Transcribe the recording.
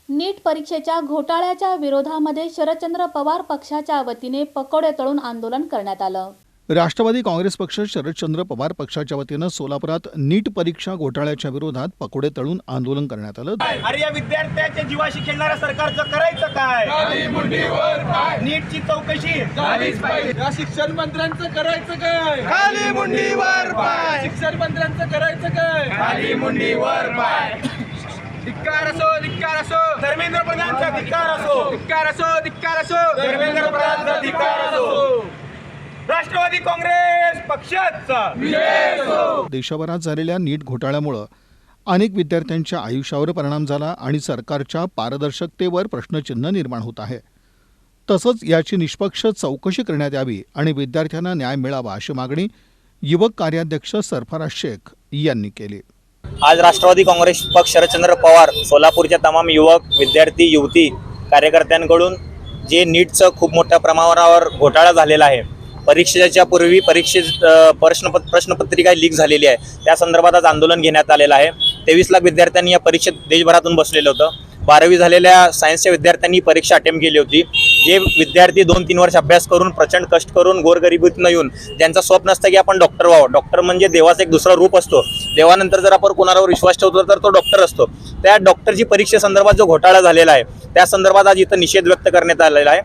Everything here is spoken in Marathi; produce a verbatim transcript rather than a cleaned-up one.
नीट परीक्षेच्या घोटाळ्याच्या विरोधामध्ये शरदचंद्र पवार पक्षाच्या वतीने पकोडे तळून आंदोलन करण्यात आलं। राष्ट्रवादी काँग्रेस पक्ष शरदचंद्र पवार पक्षाच्या वतीनं सोलापुरात नीट परीक्षा घोटाळ्याच्या विरोधात पकोडे तळून आंदोलन करण्यात आलं। अरे या विद्यार्थ्यांच्या जीवाशी खेळणाऱ्या सरकारचं करायचं काय? नीटची चौकशी झालीच पाहिजे। या शिक्षण मंत्र्यांचं करायचं काय? खाली मुंडीवर पाय, शिक्षण मंत्र्यांचं करायचं काय? खाली मुंडीवर पाय। धिक्कार असो, धिक्कार असो, धर्मेंद्र प्रधानचा धिक्कार असो, धिक्कार असो, धिक्कार असो, धर्मेंद्र प्रधानचा धिक्कार असो, राष्ट्रवादी काँग्रेस पक्षाचा। देशभरात झालेल्या नीट घोटाळ्यामुळे अनेक विद्यार्थ्यांच्या आयुष्यावर परिणाम झाला आणि सरकारच्या पारदर्शकतेवर प्रश्नचिन्ह निर्माण होत आहे। तसंच याची निष्पक्ष चौकशी करण्यात यावी आणि विद्यार्थ्यांना न्याय मिळावा अशी मागणी युवक कार्याध्यक्ष सरफराज शेख यांनी केली। आज राष्ट्रवादी काँग्रेस पक्ष शरदचंद्र पवार सोलापूरच्या तमाम युवक विद्यार्थी युवती कार्यकर्त्यांकडून जे नीटचं खूप मोठ्या प्रमाणावर घोटाळा झालेला आहे, परीक्षेच्या पूर्वी परीक्षे प्रश्न प्रश्नपत्रिका लीक झालेली आहे, त्या संदर्भात आज आंदोलन घेण्यात आलेलं आहे। तेवीस लाख विद्यार्थ्यांनी या परीक्षेत देशभरातून बसलेलं होतं। बारावी झालेल्या सायन्सच्या विद्यार्थ्यांनी परीक्षा अटेम्प्ट केली होती। जे विद्यार्थी दोन तीन वर्ष अभ्यास करून प्रचंड कष्ट करून गोरगरिबीतून येऊन ज्यांचं स्वप्न असतं की आपण डॉक्टर व्हावं, डॉक्टर म्हणजे देवाचं एक दुसरा रूप असतो, देवानंतर जर आपण कोणावर विश्वास ठेवतो तर तो डॉक्टर असतो, त्या डॉक्टरची परीक्षेसंदर्भात जो घोटाळा झालेला आहे त्या संदर्भात आज इथं निषेध व्यक्त करण्यात आलेला आहे।